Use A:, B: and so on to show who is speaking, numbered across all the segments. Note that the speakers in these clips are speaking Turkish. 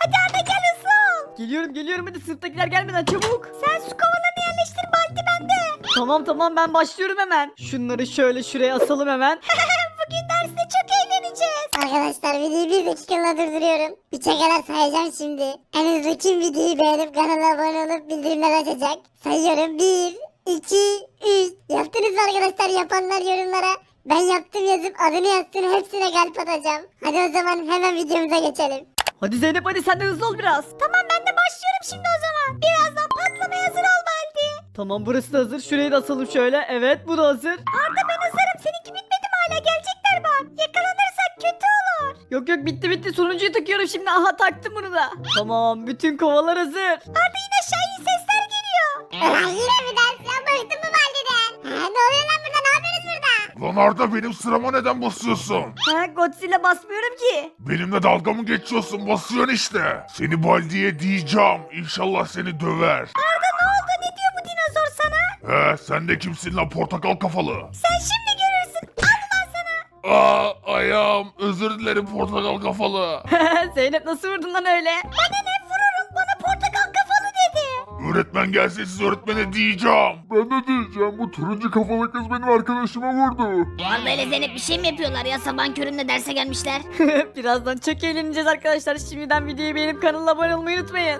A: Hadi Arda gel hızlı ol.
B: Geliyorum hadi sınıftakiler gelmeden çabuk.
A: Sen su kovalarını yerleştir Baldi bende.
B: Tamam ben başlıyorum hemen. Şunları şöyle şuraya asalım hemen.
A: Bugün derste çok eğleneceğiz.
C: Arkadaşlar videoyu bir dakikalığına durduruyorum. 3'e kadar sayacağım şimdi. En hızlı kim videoyu beğenip kanala abone olup bildirimler açacak? Sayıyorum 1, 2, 3. Yaptınız mı arkadaşlar? Yapanlar yorumlara ben yaptım yazıp adını yazsın, hepsine kalp atacağım. Hadi o zaman hemen videomuza geçelim.
B: Hadi Zeynep hadi sen de hızlı ol biraz.
A: Tamam ben de başlıyorum şimdi o zaman. Birazdan patlamaya hazır ol Baldi.
B: Tamam burası da hazır. Şurayı da asalım şöyle. Evet bu da hazır.
A: Arda ben hazırım. Seninki bitmedi mi hala? Gelecekler bak. Yakalanırsak kötü olur.
B: Yok bitti. Sonuncuyu takıyorum şimdi. Aha taktım bunu da. Tamam bütün kovalar hazır.
A: Arda yine aşağı iyi sesler geliyor.
C: Ulan yine mi ders ya? Bıktım bu Baldi'den. Ne oluyor lan burada? Ne yapıyorsunuz burada?
D: Lan Arda benim sırama neden basıyorsun?
B: Ha Godzilla basmıyorum ki.
D: Benimle dalga mı geçiyorsun? Basıyorsun işte. Seni Baldi'ye diyeceğim. İnşallah seni döver.
A: Arda ne oldu? Ne diyor bu dinozor sana?
D: Sen de kimsin lan portakal kafalı?
A: Sen şimdi görürsün. Al ulan sana.
D: Ayağım. Özür dilerim portakal kafalı.
B: Zeynep nasıl vurdun lan öyle?
A: Bana ne vururum? Bana portakal kafalı dedi.
D: Öğretmen gelse siz öğretmene diyeceğim. Ben de diyeceğim. Bu turuncu kafalı kız benim arkadaşıma vurdu.
A: Arda ile Zeynep bir şey mi yapıyorlar ya? Sabahın köründe derse gelmişler.
B: Birazdan çok eğleneceğiz arkadaşlar. Şimdiden videoyu beğenip kanala abone olmayı unutmayın.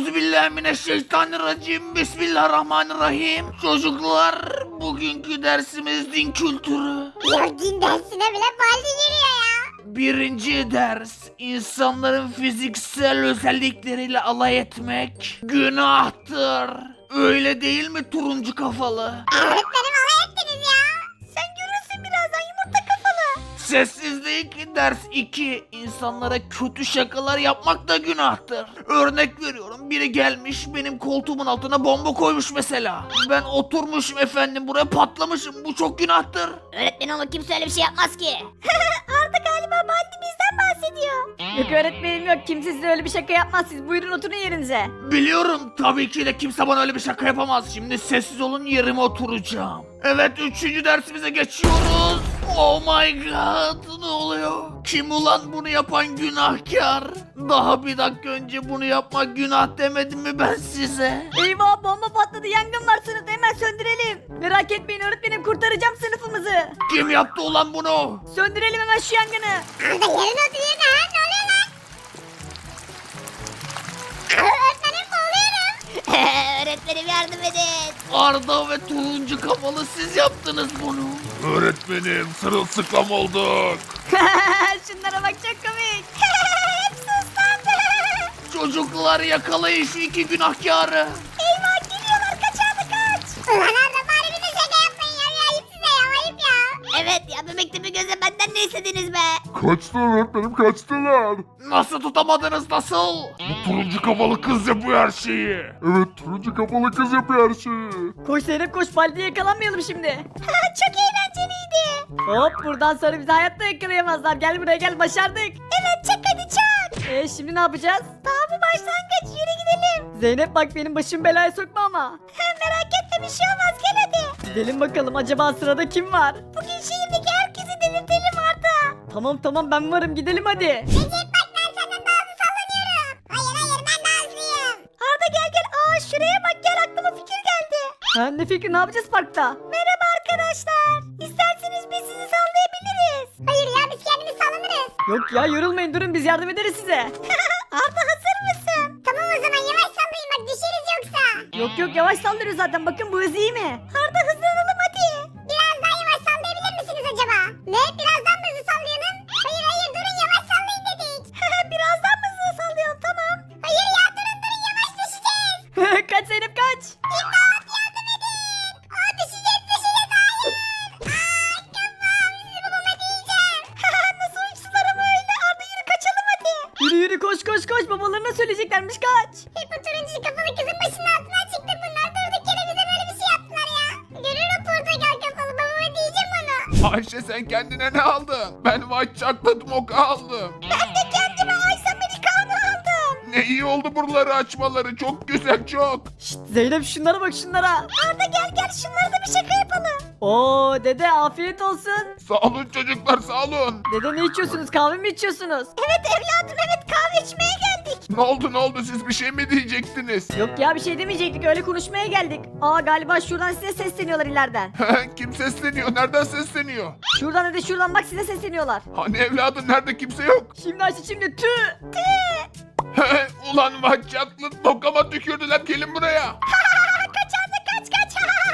E: Euzubillahimineşşeytanirracim. Bismillahirrahmanirrahim. Çocuklar, bugünkü dersimiz din kültürü.
C: Ya din dersine bile Baldi giriyor ya.
E: Birinci ders, insanların fiziksel özellikleriyle alay etmek günahtır. Öyle değil mi turuncu kafalı?
C: Öğretmenim alay ettiniz ya.
A: Sen görürsün birazdan yumurta kafalı.
E: Sessizlik ders 2. İnsanlara kötü şakalar yapmak da günahtır. Örnek veriyorum, biri gelmiş benim koltuğumun altına bomba koymuş mesela. Ben oturmuşum efendim buraya patlamışım, bu çok günahtır.
A: Öğretmen onu kimse öyle bir şey yapmaz ki. Arda galiba Baldi bizden bahsediyor.
B: Yok öğretmenim yok. Kimse size öyle bir şaka yapmaz. Siz buyurun oturun yerinize.
E: Biliyorum, tabii ki de kimse bana öyle bir şaka yapamaz. Şimdi sessiz olun, yerime oturacağım. Evet, 3. dersimize geçiyoruz. Oh my god, ne oluyor? Kim ulan bunu yapan günahkar? Daha bir dakika önce bunu yapmak günah demedim mi ben size?
B: Eyvah bomba patladı. Yangın var sınıfta. Hemen söndürelim. Merak etmeyin öğretmenim kurtaracağım sınıfımızı.
E: Kim yaptı ulan bunu?
B: Söndürelim hemen şu yangını.
C: Arda yerine otur yerine ha. Ne oluyor lan? Öğretmenim boğuluyorum.
A: Öğretmenim yardım edin.
E: Arda ve turuncu kafalı siz yaptınız bunu.
D: Öğretmenim sırılsıklam olduk.
B: Şunlara bak çok komik.
A: Hepsi ıslandı.
E: Çocuklar, yakalayın şu iki günahkarı.
A: Eyvah geliyorlar kaç Arda kaç.
C: Ulan Arda bari bir de şaka yapmayın ya. Ayıp size ya, ayıp ya.
A: Evet ya bebekte bir göze benden ne istediniz be?
D: Kaçtılar öğretmenim kaçtılar.
E: Nasıl tutamadınız, nasıl?
D: Bu turuncu kafalı kız yapıyor her şeyi. Evet turuncu kafalı kız yapıyor her şeyi.
B: Koş Zeynep koş. Baldi'ye yakalanmayalım şimdi.
A: Çok eğlenceliydi.
B: Hop buradan sonra bizi hayatta yakalayamazlar. Gel buraya gel başardık.
A: Evet çak hadi çak.
B: Şimdi ne yapacağız?
A: Daha bu başlangıç yürü gidelim.
B: Zeynep bak benim başım belaya sokma ama.
A: Merak etme bir şey olmaz gel hadi.
B: Gidelim bakalım acaba sırada kim var?
A: Bugün şehirdeki herkesi delirtelim Arda.
B: Tamam ben varım gidelim hadi.
C: Recep bak ben senden daha hızlı sallanıyorum. Hayır ben daha hızlıyım.
A: Arda gel. Aa şuraya bak gel aklıma fikir geldi.
B: Ha, ne fikri ne yapacağız parkta?
A: Merhaba arkadaşlar. İsterseniz biz sizi sallayabiliriz.
C: Hayır ya biz kendimiz sallanırız.
B: Yok ya yorulmayın durun biz yardım ederiz size.
A: Arda hazır mısın?
C: Tamam o zaman yavaş sallayın bak düşeriz yoksa.
B: Yok yavaş saldırıyor zaten bakın bu hız iyi mi?
A: Arda hızlanalım hadi.
C: Biraz daha yavaş sallayabilir misiniz acaba? Ne? Birazdan mı hızlı sallayalım? Hayır durun yavaş sallayın dedik.
A: Birazdan mı hızlı sallayalım tamam.
C: Hayır ya durun yavaş düşeceğiz.
B: Kaç Zeynep kaç.
C: İmdat yardım edin. Düşeceğiz hayır. Kafam sizi babama diyeceğim.
A: Nasıl uçtular ama öyle. Arda yürü kaçalım hadi.
B: Yürü koş babalarına söyleyeceklermiş kaç.
C: Hep bu turuncu kafalı kızın başının altından çıktı bunlar. Durduk yere bize böyle bir şey yaptılar ya. Görürüm portakal kafalı babama diyeceğim onu.
D: Ayşe sen kendine ne aldın? Ben white chocolate mocha aldım.
A: Ben de kendime Ice Americano aldım.
D: Ne iyi oldu buraları açmaları. Çok güzel çok.
B: Şşt, Zeynep şunlara bak şunlara.
A: Arda gel şunlara da bir şaka yapalım.
B: Oo dede afiyet olsun.
D: Sağ olun çocuklar sağ olun.
B: Dede ne içiyorsunuz kahve mi içiyorsunuz?
A: Evet evladım evet kahve içmeye geldik.
D: Ne oldu siz bir şey mi diyecektiniz?
B: Yok ya bir şey demeyecektik öyle konuşmaya geldik. Aa galiba şuradan size sesleniyorlar ileriden.
D: Kim sesleniyor? Nereden sesleniyor?
B: Şuradan hadi şuradan bak size sesleniyorlar.
D: Hani evladım nerede kimse yok?
B: Şimdi Ayşe şimdi tü.
D: Ulan maçatlı tokama tükürdüler, gelin buraya.
A: Kaç.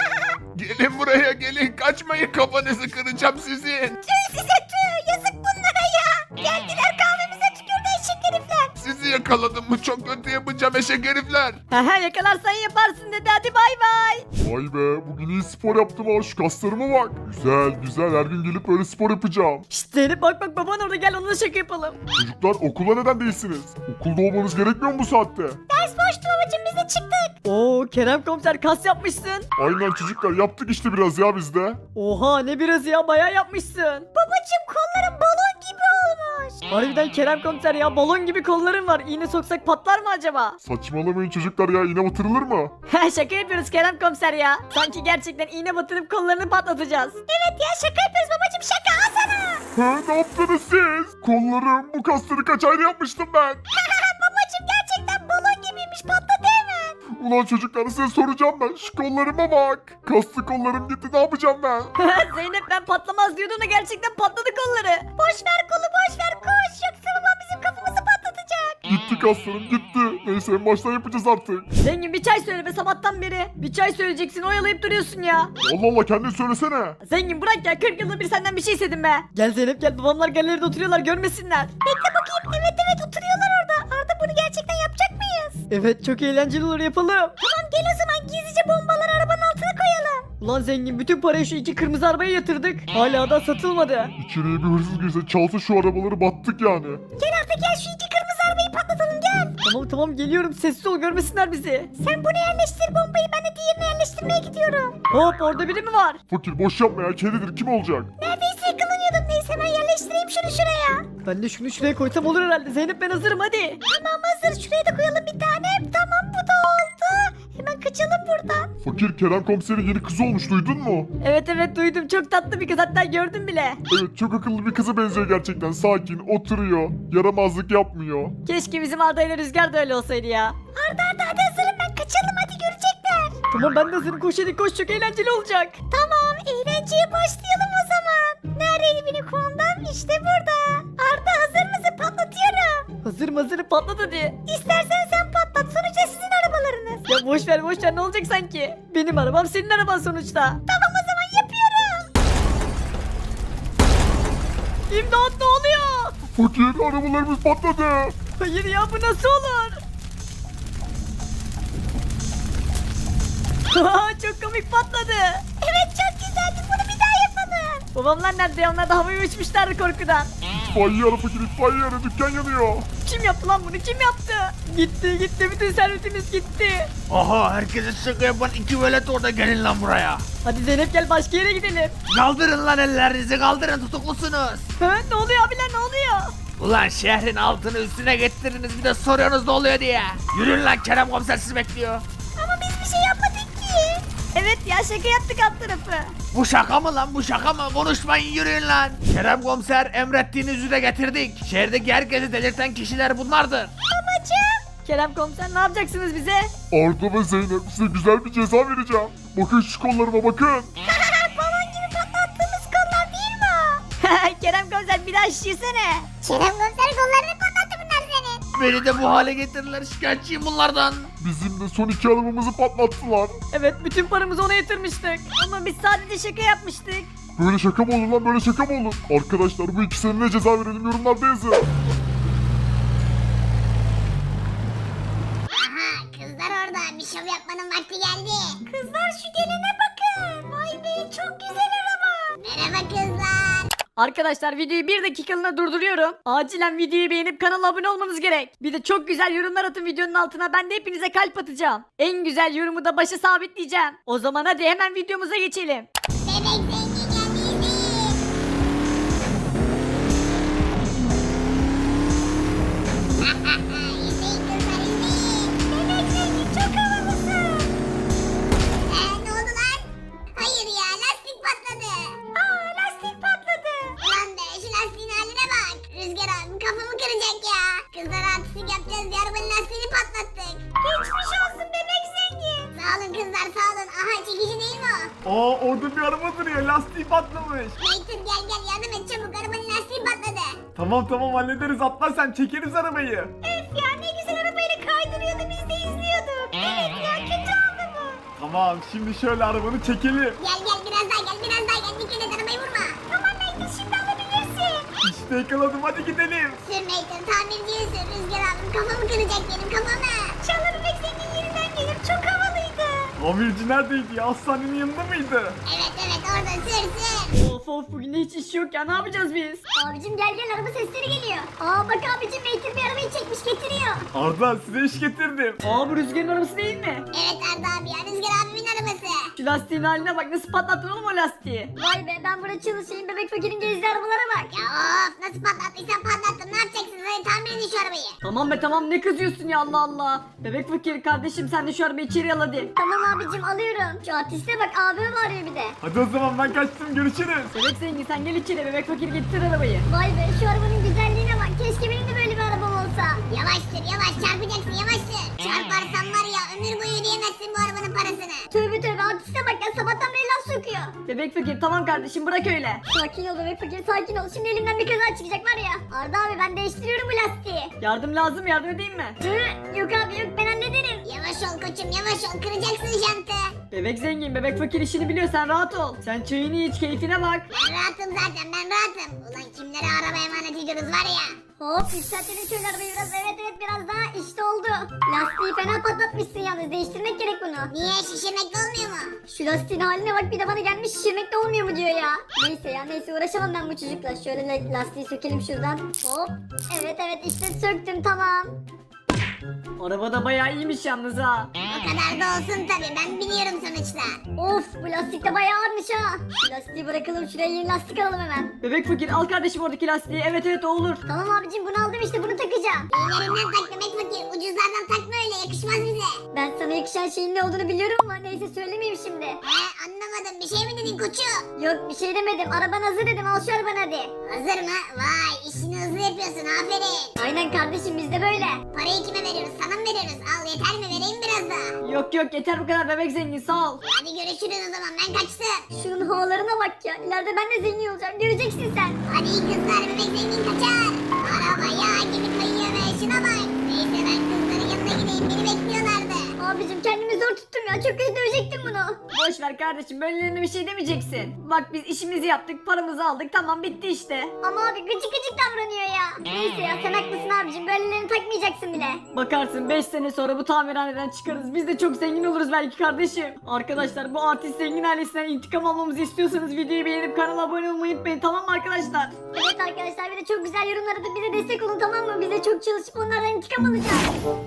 D: Gelin buraya gelin, kaçmayın, kafanızı kıracağım sizin.
A: Size yazık bunlara ya. Geldiler kahvemize tükürdü eşek herifler.
D: Sizi yakaladım mı çok kötü yapacağım eşek herifler.
B: Haha yakalarsan yaparsın dedi hadi bay bay.
D: Vay be, bugün iyi spor yaptım ha, şu kaslarıma bak. Güzel, her gün gelip böyle spor yapacağım.
B: Şşt Zeynep bak baban orada gel onunla şaka yapalım.
D: Çocuklar okula neden değilsiniz? Okulda olmanız gerekmiyor mu bu saatte?
A: Ders boştu babacım biz de çıktık.
B: Oo Kerem komiser kas yapmışsın.
D: Aynen çocuklar, yaptık işte biraz ya biz de.
B: Oha ne biraz ya bayağı yapmışsın.
A: Babacım kollarım balon gibi olmuş.
B: Harbiden Kerem komiser ya balon gibi kolların var. İğne soksak patlar mı acaba?
D: Saçmalamayın çocuklar ya, iğne batırılır mı?
B: Şaka yapıyoruz Kerem komiser ya. Sanki gerçekten iğne batırıp kollarını patlatacağız.
A: Evet ya şaka yapıyoruz babacım şaka al sana.
D: Ne yaptınız siz? Kollarım, bu kasları kaç ayda yapmıştım ben.
A: Babacım gerçekten balon gibiymiş patladı hemen.
D: Ulan çocuklar, size soracağım ben, şu kollarıma bak. Kaslı kollarım gitti, ne yapacağım ben?
B: Zeynep ben patlamaz diyordun da gerçekten patladı kolları.
A: Boş ver kolu boş ver koş yoksa babam bizim kafamızı patlatacak.
D: Gitti kaslarım gitti. Neyse en baştan yapacağız artık.
B: Zengin bir çay söyle be sabahtan beri. Bir çay söyleyeceksin oyalayıp duruyorsun ya.
D: Allah Allah, kendin söylesene.
B: Zengin bırak ya 40 yılda bir senden bir şey istedim be. Gel Zeynep gel babamlar galeride oturuyorlar görmesinler.
A: Bekle bakayım evet oturuyorlar orada. Arda bunu gerçekten yapacak mıyız?
B: Evet çok eğlenceli olur yapalım.
A: Tamam gel o zaman gizlice bombaları arabanın altına koyalım.
B: Ulan zengin bütün parayı şu iki kırmızı arabaya yatırdık. Hala da satılmadı.
D: İçeriye bir hırsız girse, çalsa şu arabaları, battık yani.
A: Gel Arda gel şu iki kırmızı arabayı patlatalım gel.
B: Tamam geliyorum sessiz ol görmesinler bizi.
A: Sen bunu yerleştir bombayı ben de diğerini yerleştirmeye gidiyorum.
B: Hop orada biri mi var?
D: Fakir boş yapma ya, kedidir, kim olacak?
A: Neredeyse yakalanıyordum neyse ben yerleştireyim şunu şuraya.
B: Ben de şunu şuraya koysam olur herhalde. Zeynep ben hazırım hadi.
A: Tamam hazır şuraya da koyalım bir tane. Tamam bu da oldu. Hemen kaçalım buradan.
D: Fakir, Kerem komiserin yeni kızı olmuş, duydun mu?
B: Evet duydum çok tatlı bir kız hatta gördüm bile.
D: Evet, çok akıllı bir kıza benziyor gerçekten, sakin, oturuyor, yaramazlık yapmıyor.
B: Keşke bizim Arda ile Rüzgar da öyle olsaydı ya.
A: Arda hadi hazırım ben kaçalım hadi görecekler.
B: Tamam ben de hazırım koş hadi koş çok eğlenceli olacak.
A: Tamam eğlenceye başlayalım o zaman. Neredeydi benim kumandam? İşte burada. Arda hazır mısın? Patlatıyorum.
B: Hazırım patlat hadi.
A: İstersen sen patlat sonuçta sizin arabalarınız.
B: Ya boş ver ne olacak sanki? Benim arabam senin araban sonuçta.
A: Tamam o zaman yapıyorum.
B: İmdat ne oluyor?
D: Fakir, arabalarımız patladı.
B: Hayır ya bu nasıl olur? Çok komik patladı.
A: Evet çok güzeldi bunu bir daha yapalım.
B: Babamlar nerede ya? Onlar da havaya uçmuşlardı korkudan.
D: İtfaiye ara fakir, itfaiye ara, dükkan yanıyor.
B: Kim yaptı lan bunu? Kim yaptı? Gitti bütün servetimiz gitti.
E: Aha, herkese şaka yapan iki velet orada, gelin lan buraya.
B: Hadi Zeynep gel başka yere gidelim.
E: Kaldırın lan ellerinizi, kaldırın, tutuklusunuz.
B: Ne oluyor abiler ne oluyor?
E: Ulan şehrin altını üstüne getirdiniz, bir de soruyorsunuz ne oluyor diye. Yürüyün lan, Kerem komiser sizi bekliyor.
A: Ama biz bir şey yapmadık ki.
B: Evet ya şaka yaptık alt tarafı.
E: Bu şaka mı lan, bu şaka mı? Konuşmayın, yürüyün lan. Kerem komiser, emrettiğiniz üzere getirdik. Şehirdeki herkesi delirten kişiler bunlardır.
A: Babacım.
B: Kerem komiser ne yapacaksınız bize?
D: Arda ve Zeynep, size güzel bir ceza vereceğim. Bakın şu kollarıma, bakın.
A: Balon gibi patlattığımız kollar değil mi o?
B: Kerem komiser bir daha şişirsene.
C: Kerem komiser kollarını patlattı bunlar senin.
E: Beni de bu hale getirirler, şikayetçiyim bunlardan.
D: Bizim de son iki arabamızı patlattılar.
B: Evet bütün paramızı ona yatırmıştık. Ama biz sadece şaka yapmıştık.
D: Böyle şaka mı olur lan, böyle şaka mı olur? Arkadaşlar bu ikisine ne ceza verelim, yorumlarda yazın.
C: Aha kızlar orada bir şov yapmanın vakti geldi.
A: Kızlar şu gelene bakın. Vay be çok güzel araba.
C: Merhaba kızlar.
B: Arkadaşlar videoyu bir dakikalığına durduruyorum. Acilen videoyu beğenip kanala abone olmanız gerek. Bir de çok güzel yorumlar atın videonun altına. Ben de hepinize kalp atacağım. En güzel yorumu da başa sabitleyeceğim. O zaman hadi hemen videomuza geçelim.
C: Bebek zengin geldi izleyin. İzleyin kızlar izleyin.
A: Bebek zengin çok havalısın.
C: Ne oldu lan? Hayır ya lastik patladı.
A: Aa lastik patladı.
C: Ulan be şu lastiğin haline bak. Rüzgar abi kafamı kıracak ya. Kızlar artistik yapacağız diye arabanın
F: Orada bir araba duruyor. Lastiği patlamış.
C: Nathan gel yardım et çabuk, arabanın lastiği patladı.
F: Tamam hallederiz. Atla sen, çekeriz arabayı.
A: Öf ya, ne güzel arabayla kaydırıyordu, biz de izliyorduk. Evet ya, kötü oldu bu.
F: Tamam, şimdi şöyle arabanı çekelim.
C: Gel biraz daha gel dikkat et, arabayı vurma.
A: Tamam Nathan, şimdi alabilirsin.
F: İşte yakaladım, hadi gidelim.
C: Sür Nathan, tamirciye sür. Rüzgar abim kafamı kıracak benim kafamı.
A: Çağla Bebek Zengin yeniden gelir, çok havalıydı.
F: Tamirci neredeydi ya? Hastanenin yanında mıydı?
C: Evet orada sür.
B: Of bugün de hiç iş yok ya, ne yapacağız biz?
C: Abicim gel araba sesleri geliyor. Bak abicim Nathan bir arabayı çekmiş getiriyor.
F: Arda, size iş getirdim.
B: Bu Rüzgar'ın arabası değil mi?
C: Evet Arda abi ya, Rüzgar abimin arabası.
B: Şu lastiğin haline bak, nasıl patlattın oğlum o lastiği?
C: Vay be, ben burada çalışayım, bebek fakirin gezdiği arabalara bak. Ya of, nasıl patlattıysan patlattın, ne yapacaksınız, hadi tamir edin şu arabayı.
B: Tamam be tamam, ne kızıyorsun ya, Allah Allah. Bebek fakir kardeşim, sen de şu arabayı içeri al hadi.
C: Tamam abicim alıyorum. Şu artiste bak, abim arıyor bir de.
F: Hadi o zaman ben kaçtım, görüşürüz.
B: Bebek zengin sen gel içeri, bebek fakir getir arabayı.
C: Vay be, şu arabanın güzelliğine bak, keşke benim de böyle bir arabam olsa. Yavaş çarpacaksın yavaş sür. Çarparsan var ya, ömür boyu ödeyemezsin bu arabanın parasını. Tövbe artiste bak ya, sabahtan beri laf sokuyor.
B: Bebek fakir tamam kardeşim, bırak öyle.
C: Sakin ol bebek fakir, sakin ol. Şimdi elimden bir kaza çıkacak var ya. Arda abi ben değiştiriyorum bu lastiği.
B: Yardım lazım, yardım edeyim mi?
C: Yok abi yok, ben hallederim. Yavaş ol koçum, yavaş ol, kıracaksın jantı.
B: Bebek zengin, bebek fakir işini biliyor, sen rahat ol. Sen çayını iç, keyfine bak.
C: Ben rahatım zaten, ben rahatım. Ulan kimlere araba emanet ediyoruz var ya. Hop, yükseltelim şöyle arabayı biraz, evet biraz daha, işte oldu. Lastiği fena patlatmışsın yalnız, değiştirmek gerek bunu. Niye, şişirmek de olmuyor mu? Şu lastiğin haline bak, bir de bana gelmiş şişirmek de olmuyor mu diyor ya. Neyse uğraşamam ben bu çocukla. Şöyle lastiği sökelim şuradan. Hop, evet işte söktüm, tamam.
B: Araba da bayağı iyiymiş yalnız ha.
C: O kadar da olsun tabi, ben biliyorum sonuçta. Of, bu lastik de bayağı ağırmış ha. Şu lastiği bırakalım, şuraya yeni lastik alalım hemen.
B: Bebek fakir al kardeşim oradaki lastiği, evet o olur.
C: Tamam abicim, bunu aldım işte, bunu takacağım. İyilerinden tak demek fakir, ucuzlardan takma öyle, yakışmaz bize. Ben sana yakışan şeyin ne olduğunu biliyorum ama neyse söylemeyeyim şimdi. Anlamadım, bir şey mi dedin koçu? Yok bir şey demedim, araban hazır dedim, al şu arabanı hadi. Hazır mı? Vay, işini hızlı yapıyorsun, aferin. Aynen kardeşim, biz de böyle. Parayı kime veriyoruz, sana mı veriyoruz? Al, yeter mi, vereyim biraz daha.
B: Yok yeter bu kadar bebek zengin, sağ ol.
C: Hadi görüşürüz o zaman, ben kaçtım. Şunun havalarına bak ya, ileride ben de zengin olacağım, göreceksin sen. Hadi kızlar, bebek zengin kaçar. Araba yağ gibi kayıyor be, şuna bak. Neyse ben kızların yanına gideyim, beni bekliyorlardı. Abicim kendimi zor tuttum ya, çok kötü dövecektim bunu.
B: Boş ver kardeşim, böylelerine bir şey demeyeceksin. Bak biz işimizi yaptık, paramızı aldık, tamam bitti işte.
C: Ama abi gıcık davranıyor ya. Neyse ya, sen haklısın abicim, böylelerini takmayacaksın bile.
B: Bakarsın 5 sene sonra bu tamirhaneden çıkarız, biz de çok zengin oluruz belki kardeşim. Arkadaşlar bu artist zengin ailesinden intikam almamızı istiyorsanız videoyu beğenip kanala abone olmayı unutmayın, tamam mı arkadaşlar?
C: Evet arkadaşlar, bir de çok güzel yorumlar atıp bize destek olun, tamam mı? Biz de çok çalışıp onlardan intikam alacağız.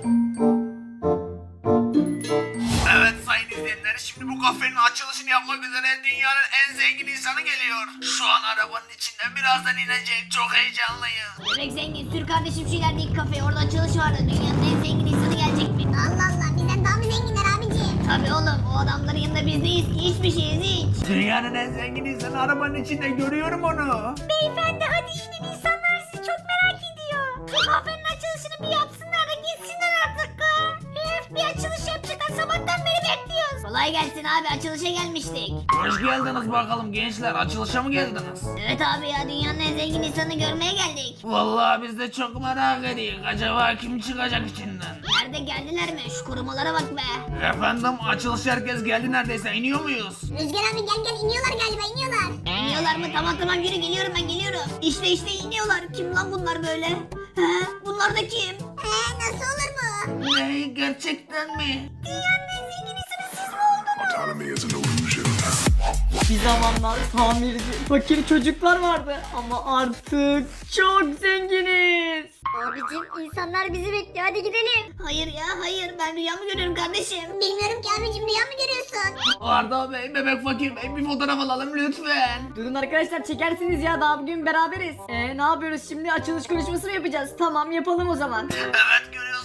E: Evet sayın izleyenler, şimdi bu kafenin açılışını yapmak üzere dünyanın en zengin insanı geliyor. Şu an arabanın içinde, birazdan inecek, çok heyecanlıyız.
C: Bebek zengin, sür kardeşim şu ilerideki kafeye, orada açılış vardı. Dünyanın en zengin insanı gelecek mi? Allah Allah, bizden daha mı zenginler abiciğim? Tabii oğlum, o adamların yanında biz değiliz ki, hiçbir şeyiz hiç.
E: Dünyanın en zengin insanı arabanın içinde, görüyorum onu.
A: Beyefendi hadi inin, insanlar sizi çok merak ediyor. Şu kafenin açılışını bir yapsınlar da gitsinler artık. Bir açılış yapacaklar, sabahtan beri bekliyoruz.
C: Kolay gelsin abi, açılışa gelmiştik.
E: Hoş geldiniz bakalım gençler, açılışa mı geldiniz?
C: Evet abi ya, dünyanın en zengin insanını görmeye geldik.
E: Vallahi biz de çok merak ediyoruz. Acaba kim çıkacak içinden?
C: Nerede, geldiler mi? Şu korumalara bak be.
E: Efendim, açılış herkes geldi neredeyse, iniyor muyuz?
C: Rüzgar abi gel, iniyorlar galiba, iniyorlar. İniyorlar mı? Tamam yürü, geliyorum ben, geliyorum. İşte iniyorlar. Kim lan bunlar böyle? Bunlar da kim? Nasıl olur bu?
E: Ne, gerçekten mi?
D: Autonomy is an illusion.
B: Bir zamanlar tamirci, fakir çocuklar vardı ama artık çok zenginiz.
C: Abicim insanlar bizi bekliyor, hadi gidelim. Hayır ben rüya mı görüyorum kardeşim? Bilmiyorum ki abicim, rüya mı görüyorsun?
E: Arda Bey, Bebek Fakir Bey, bir fotoğraf alalım lütfen.
B: Durun arkadaşlar, çekersiniz ya, daha bugün beraberiz. Ne yapıyoruz şimdi, açılış konuşması mı yapacağız? Tamam yapalım o zaman.
E: Evet, görüyorsunuz dünyanın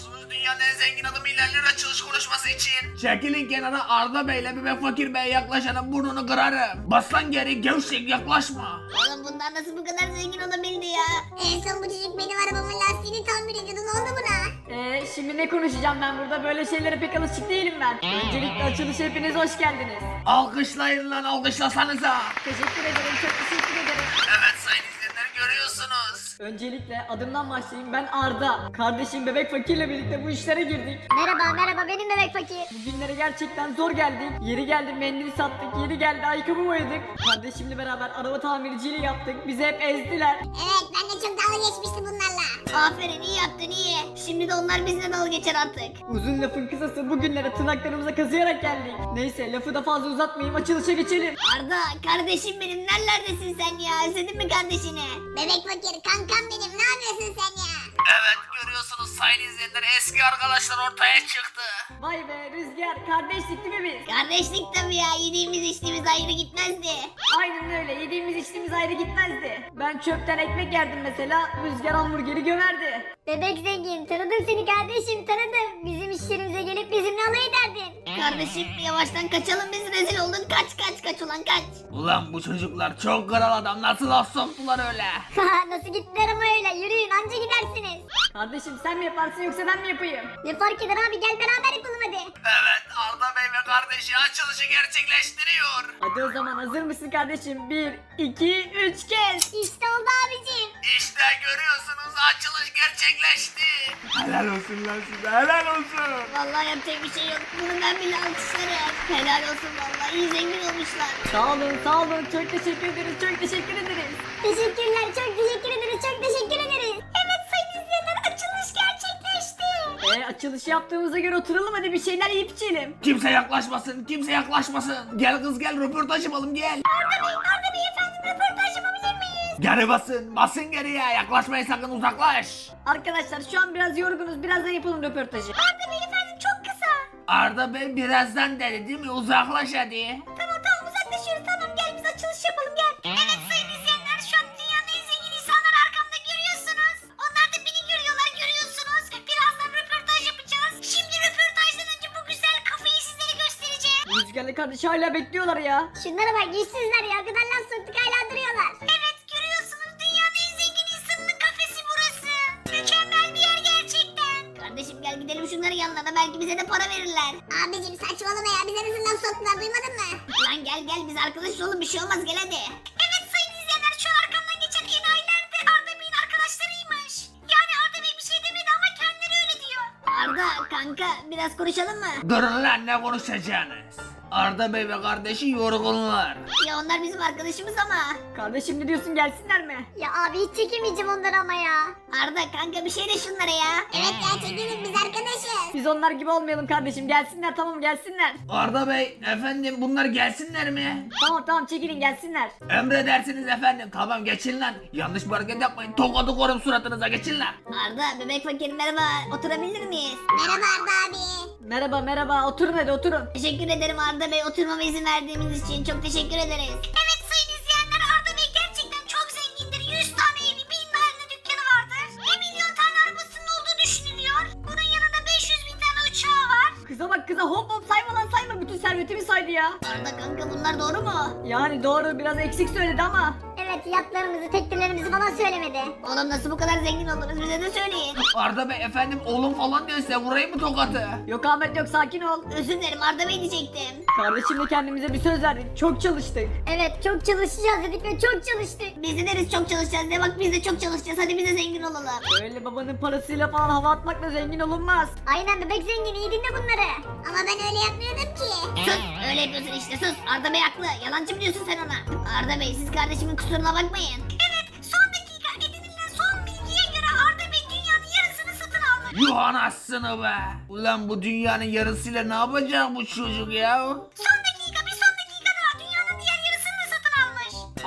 E: dünyanın en zengin adamıyla açılış konuşması için. Çekilin kenara, Arda Bey'le Bebek Fakir Bey'e yaklaşanın burnunu kırarım. Bas lan geri, gevşek, yaklaşma.
A: Oğlum bunlar nasıl bu kadar zengin olabildi ya? En son bu çocuk benim arabamın lastiğini tamir ediyordu. Ne oldu buna?
B: Şimdi ne konuşacağım ben burada? Böyle şeylere pek alışık değilim ben. Öncelikle açılışa hepiniz hoş geldiniz.
E: Alkışlayın lan, alkışlasanıza.
B: Teşekkür ederim, çok teşekkür ederim.
E: Evet sayın izleyenler, görüyorsunuz.
B: Öncelikle adımdan başlayayım. Ben Arda. Kardeşim Bebek Fakir'le birlikte bu işlere girdik.
C: Merhaba benim bebek fakir.
B: Bugünlere gerçekten zor geldik. Yeri geldi mendil sattık, yeri geldi ayakkabı boyadık. Kardeşimle beraber araba tamirciliği yaptık. Bizi hep ezdiler.
C: Evet ben de çok dalga geçmiştim bunlarla.
A: Aferin, iyi yaptın, iyi. Şimdi de onlar bizle dalga geçer artık.
B: Uzun lafın kısası bugünlere tırnaklarımıza kazıyarak geldik. Neyse lafı da fazla uzatmayayım, açılışa geçelim.
A: Arda, kardeşim benim, nerelerdesin sen ya? Özledin mi kardeşini?
C: Bebek fakir kankam benim ne yapıyorsun sen ya?
E: Evet, görüyorsunuz sayın izleyenler, eski arkadaşlar ortaya çıktı.
B: Vay be Rüzgar, kardeşlik değil mi biz?
A: Kardeşlik tabii ya, yediğimiz içtiğimiz ayrı gitmezdi.
B: Aynen öyle, yediğimiz içtiğimiz ayrı gitmezdi. Ben çöpten ekmek yerdim mesela, Rüzgar hamburgeri gömerdi.
C: Bebek zengin tanıdım seni kardeşim tanıdım. Bizim işlerimize gelip bizimle alay ederdin.
A: Kardeşim yavaştan kaçalım, biz rezil oldun. Kaç ulan kaç.
E: Ulan bu çocuklar çok kral adam, nasıl laf soktular öyle?
C: Nasıl gittiler ama öyle yürüyün anca gidersiniz.
B: Kardeşim sen mi yaparsın yoksa ben mi yapayım?
C: Ne fark eder abi gel beraber yapalım hadi.
E: Evet, Arda Bey ve kardeşi açılışı gerçekleştiriyor.
B: Hadi o zaman hazır mısın kardeşim? 1, 2, 3 kez.
C: İşte oldu abicim.
E: İşte görüyorsunuz, açılış gerçekleşti.
F: Helal olsun lan size helal olsun.
A: Vallahi yapacak bir şey yok. Bunu ben bile alkışlarım. Helal olsun vallahi, iyi zengin olmuşlar.
B: Sağ olun, çok teşekkür ederiz, çok teşekkür ederiz.
C: Teşekkürler çok teşekkür ederiz çok teşekkür ederiz. Evet sayın izleyenler açılış gerçekleşti.
B: Açılışı yaptığımıza göre oturalım hadi bir şeyler yiyip içelim.
E: Kimse yaklaşmasın, kimse yaklaşmasın. Gel kız gel, röportaj yapalım gel.
C: Arda Bey efendim röportaj yapabilir miyiz?
E: Geri basın geriye, yaklaşmayın sakın, uzaklaş.
B: Arkadaşlar şu an biraz yorgunuz, birazdan yapalım röportajı.
C: Arda Bey efendim çok kısa.
E: Arda Bey birazdan dedi değil mi, uzaklaş hadi.
C: Tamam uzaklaşıyoruz tamam gel biz açılış yapalım gel. Evet sayın izleyenler şu an dünyanın en zengin insanları arkamda görüyorsunuz. Onlar da beni görüyorlar görüyorsunuz. Birazdan röportaj yapacağız. Şimdi röportajdan önce bu güzel kafayı sizlere göstereceğim.
B: Rüzgar'la kardeş hala bekliyorlar ya.
C: Şunlara bak yüzsüzler ya gıdan laf soktuk hala duruyorlar. Evet görüyorsunuz dünyanın en zengin insanının kafesi burası. Mükemmel bir yer gerçekten.
A: Kardeşim gel gidelim şunların yanlarına, belki bize de para verirler.
C: Abicim saçmalama ya bize nasıl laf soktular duymadın mı?
A: Lan gel biz arkadaş olalım, bir şey olmaz, gel hadi.
C: Evet sayın izleyenler şu an arkamdan geçen enayiler de Arda Bey'in arkadaşlarıymış. Yani Arda Bey bir şey demedi ama kendileri öyle diyor.
A: Arda kanka biraz konuşalım mı?
E: Durun lan, ne konuşacaksınız? Arda Bey ve kardeşi yorgunlar.
A: Ya onlar bizim arkadaşımız ama.
B: Kardeşim ne diyorsun, gelsinler mi?
C: Ya abi hiç çekemeyeceğim onları ama ya.
A: Arda kanka bir şey de şunlara ya.
C: Evet ya çekelim biz arkadaşız.
B: Biz onlar gibi olmayalım kardeşim, gelsinler, tamam gelsinler.
E: Arda Bey, efendim bunlar gelsinler mi?
B: Tamam çekilin gelsinler.
E: Emredersiniz efendim, tamam geçin lan. Yanlış bir hareket yapmayın, tokadı korum suratınıza, geçin lan.
A: Arda bebek fakir merhaba, oturabilir miyiz?
C: Merhaba Arda abi.
B: Merhaba, oturun hadi oturun.
A: Teşekkür ederim Arda Bey, oturmama izin verdiğiniz için çok teşekkür ederiz.
C: Evet sayın izleyenler Arda Bey gerçekten çok zengindir. 100 tane evi 1000 tane dükkanı vardır. 1 milyon tane arabasının olduğu düşünülüyor. Bunun yanında 500 bin tane uçağı var.
B: Kıza bak kıza, hop sayma lan sayma, bütün servetimi saydı ya.
A: Arda kanka bunlar doğru mu?
B: Yani doğru, biraz eksik söyledi ama.
C: Evet yatlarımızı teknelerimizi falan söylemedi.
A: Oğlum nasıl bu kadar zengin oldunuz, bize de söyleyin.
E: Arda Bey efendim, oğlum falan diyor, size vurayım mı tokatı?
B: Yok Ahmet yok, sakin ol.
A: Özür dilerim Arda Bey diyecektim.
B: Kardeşimle kendimize bir söz verdik, çok çalıştık.
C: Evet çok çalışacağız dedik ve çok çalıştık.
A: Biz de deriz çok çalışacağız de, bak biz de çok çalışacağız, hadi biz de zengin olalım.
B: Öyle babanın parasıyla falan hava atmakla zengin olunmaz.
C: Aynen bebek zengin iyi dinle bunları. Ama ben öyle yapmıyordum ki.
A: Sus, öyle yapıyorsun işte, sus. Arda Bey haklı, yalancı mı diyorsun sen ona? Arda Bey siz kardeşimin kusuruna bakmayın.
C: Evet son dakika edinilen son bilgiye göre Arda Bey dünyanın yarısını satın almış.
E: Yuh anasını be. Ulan bu dünyanın yarısıyla ne yapacak bu çocuk ya?
C: Son dakika bir son dakika daha dünyanın diğer yarısını da satın almış.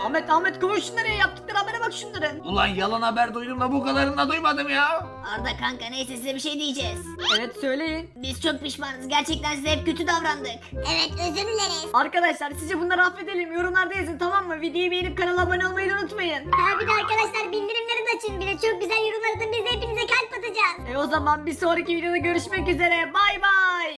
B: Ahmet konuş şunları ya, yaptıkları habere bak şunların.
E: Ulan yalan haber duydum da bu kadarını da duymadım ya.
A: Arda kanka neyse size bir şey diyeceğiz.
B: Evet söyleyin.
A: Biz çok pişmanız. Gerçekten size hep kötü davrandık.
C: Evet özür dileriz.
B: Arkadaşlar sizce bunları affedelim, yorumlarda yazın tamam mı? Videoyu beğenip kanala abone olmayı da unutmayın.
C: Ha bir de arkadaşlar bildirimleri de açın. Bir de çok güzel yorumlar atın. Biz de hepinize kalp atacağız.
B: O zaman bir sonraki videoda görüşmek üzere, bay bay.